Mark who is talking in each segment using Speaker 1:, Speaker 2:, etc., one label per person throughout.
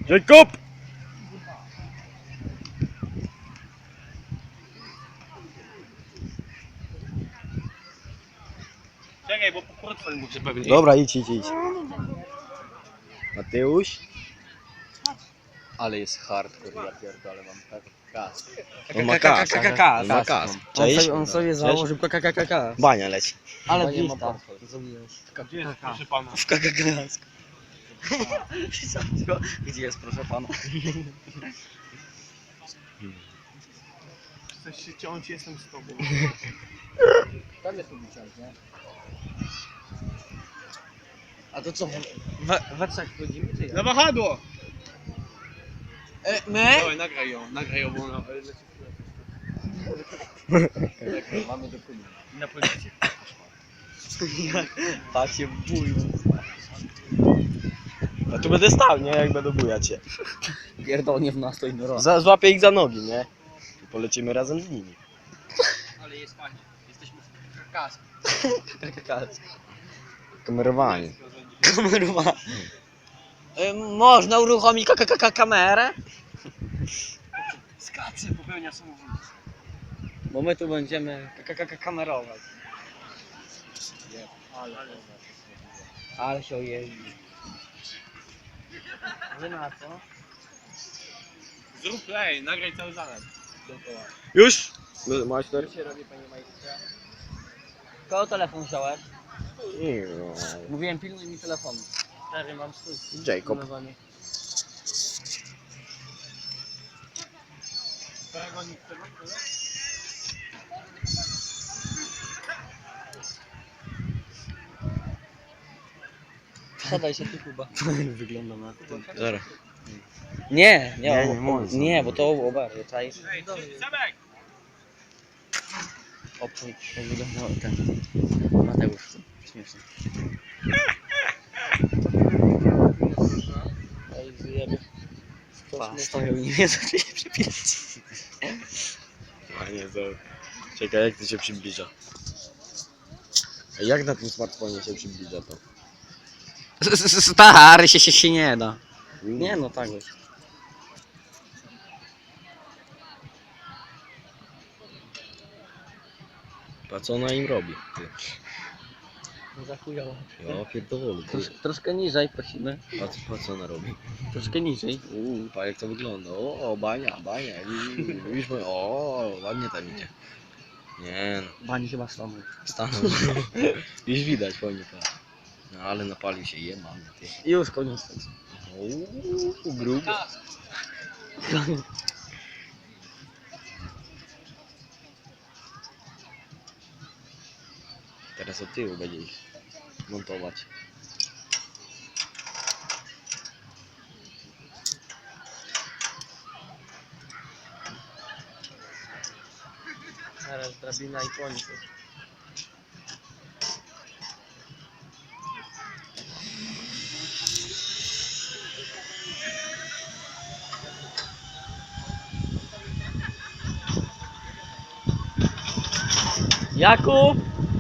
Speaker 1: Jacob!
Speaker 2: Czekaj, bo portfel muszę pewnie.
Speaker 1: Dobra, idź. Mateusz?
Speaker 2: Ale jest hardcore, ja pierdolę, mam kask.
Speaker 1: On ma kask. On ma kask. Cześć.
Speaker 3: On sobie założył KKKK.
Speaker 1: Bania leci.
Speaker 3: Ale
Speaker 2: nie ma
Speaker 3: wista.
Speaker 2: portfel.
Speaker 3: Zrobiłeś.
Speaker 2: Gdzie jest, proszę pana?
Speaker 3: W KKK. Gdzie jest, proszę pana?
Speaker 2: Chcesz się ciąć, jestem z tobą.
Speaker 3: Tam jest ulicant, nie? A to co? We trzech wchodzimy, czy
Speaker 2: Na wahadło!
Speaker 3: My?
Speaker 2: Dawaj, nagraj ją, bo ona leci w mamy dokument. I na policję.
Speaker 3: Tak się bój.
Speaker 1: A tu będę stał, nie? Jak będę bujać się.
Speaker 3: Pierdolnie w nas to inny
Speaker 1: Złapię ich za nogi, nie? I polecimy razem z nimi.
Speaker 2: Ale jest fajnie. Jesteśmy w kask.
Speaker 3: KKK.
Speaker 1: Kamerowanie.
Speaker 3: Kamerowa. Można uruchomić KKK kamerę?
Speaker 2: Skacze, popełnia samobójstwo.
Speaker 3: Bo my tu będziemy KKK kamerować. Ale się ojeździ. Wy na co?
Speaker 2: Zrób play, nagraj cały zalet. Dookoła.
Speaker 1: Już? Majster?
Speaker 2: Co się robi, panie majstrze?
Speaker 3: Kogo telefon wziąłeś?
Speaker 1: No.
Speaker 3: Mówiłem, pilnuj mi telefonu. Stary, mam swój.
Speaker 1: Jacob.
Speaker 2: Paragonik tego?
Speaker 3: Siadaj się tu, Kuba.
Speaker 1: Wygląda na ten.
Speaker 3: Nie,
Speaker 1: Nie można.
Speaker 3: nie, bo to oberwie, czaisz?
Speaker 2: Ej, Sebek!
Speaker 3: Opój, jak wyglądał ten Mateusz, śmieszny. Ej, zjeby. Stoją i nie wiedzą, czy się przypierać.
Speaker 1: A nie, to... Czekaj, jak to się przybliża? A jak na tym smartfonie się przybliża to?
Speaker 3: Stary, się nie da. Nie no, tak jest.
Speaker 1: A co ona im robi? Ty?
Speaker 3: Za chujowo.
Speaker 1: Ja pierdolę.
Speaker 3: Troszkę niżej prosimy.
Speaker 1: A co ona robi?
Speaker 3: Troszkę niżej.
Speaker 1: Pa jak to wygląda. O, bania. Widzisz, o, ładnie tam idzie. Nie no,
Speaker 3: Bani chyba stanął.
Speaker 1: stanął. Już widać, fajnie pa. No ale napalił się, mamy ty.
Speaker 3: Już koniec.
Speaker 1: O, grubo. Teraz od tyłu będzie ich montować.
Speaker 3: Teraz drabina i koniec. Jakub!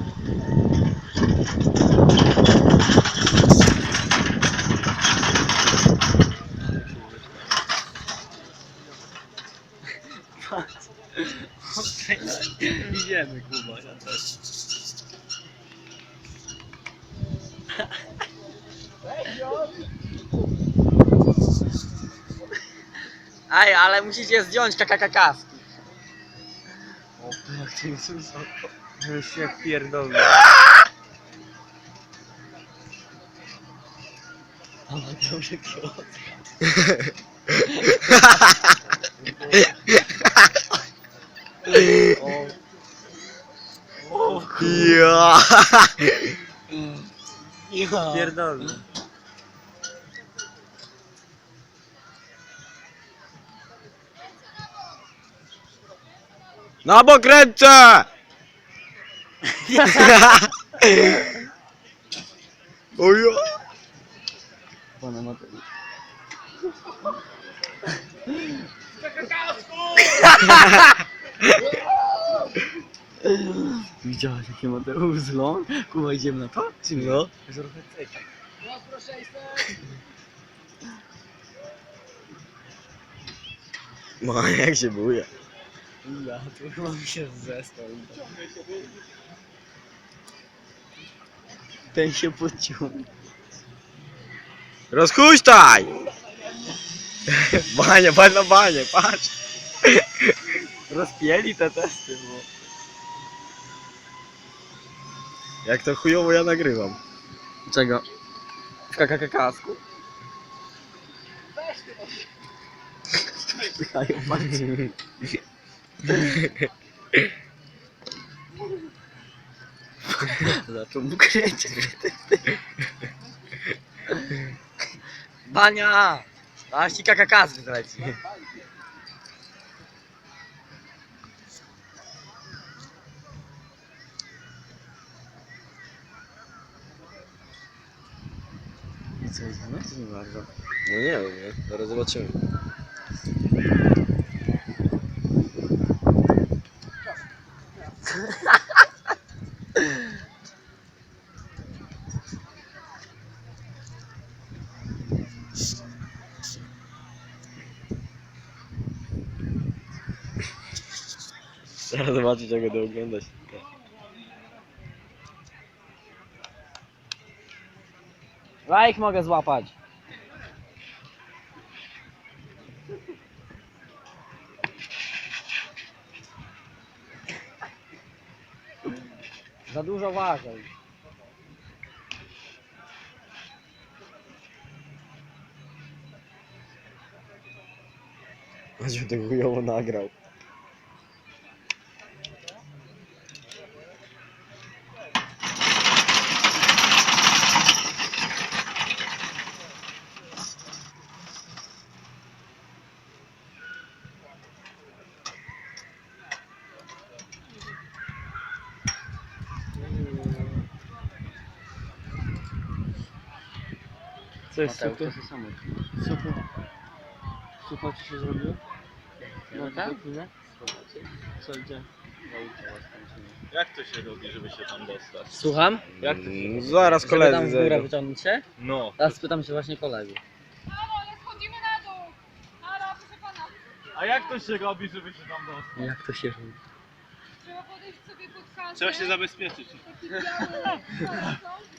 Speaker 2: Idziemy, Kuba, ja też.
Speaker 3: Ej, ale musicie zdjąć kakakaski.
Speaker 2: O, jak to jest wysoko. Już się pierdolę.
Speaker 3: Ale dobrze kiosk.
Speaker 1: Ja.
Speaker 3: Pierdolę.
Speaker 1: Na bok ręce! Ojo!
Speaker 3: Pana Mateusz. Widziałeś jakie Mateusz zlą? Kuba, idziemy na to? Czy nie?
Speaker 1: No.
Speaker 3: Trochę ceki.
Speaker 1: Bania jak się buja.
Speaker 3: Ja, tu chyba mi się zestał. Ten się podciął.
Speaker 1: Rozhuśtaj! Bania, patrz na banię, patrz!
Speaker 3: Rozpieli te testy, bo...
Speaker 1: Jak to chujowo ja nagrywam.
Speaker 3: Czego? W kasku? Wpychają palce. Zaczął mu kręcić. Bania! Aż ci KKK zleci. I co, jest no? To nie bardzo.
Speaker 1: No nie wiem, nie? Zaraz zobaczymy. Zaraz zobaczyć jak będę oglądać.
Speaker 3: Lajk mogę złapać. Za dużo ważej.
Speaker 1: Choćby to chujowo nagrał.
Speaker 3: Co jest sucho? Sucho ci się zrobiło? No tak? Co gdzie?
Speaker 2: Jak to się robi, żeby się tam dostać?
Speaker 3: Słucham?
Speaker 2: Jak to się robi?
Speaker 1: Zaraz
Speaker 3: Żeby tam
Speaker 1: koledzy
Speaker 3: w górę
Speaker 1: zejdą.
Speaker 3: wyciągnąć się?
Speaker 2: No.
Speaker 3: Teraz spytam się właśnie kolegów.
Speaker 4: Halo, ale schodzimy na dół! Halo, proszę pana.
Speaker 2: A jak to się robi, żeby się tam dostać?
Speaker 3: Jak to się robi?
Speaker 4: Trzeba podejść sobie pod kasę.
Speaker 2: Trzeba się zabezpieczyć.
Speaker 4: Taki biały parasol.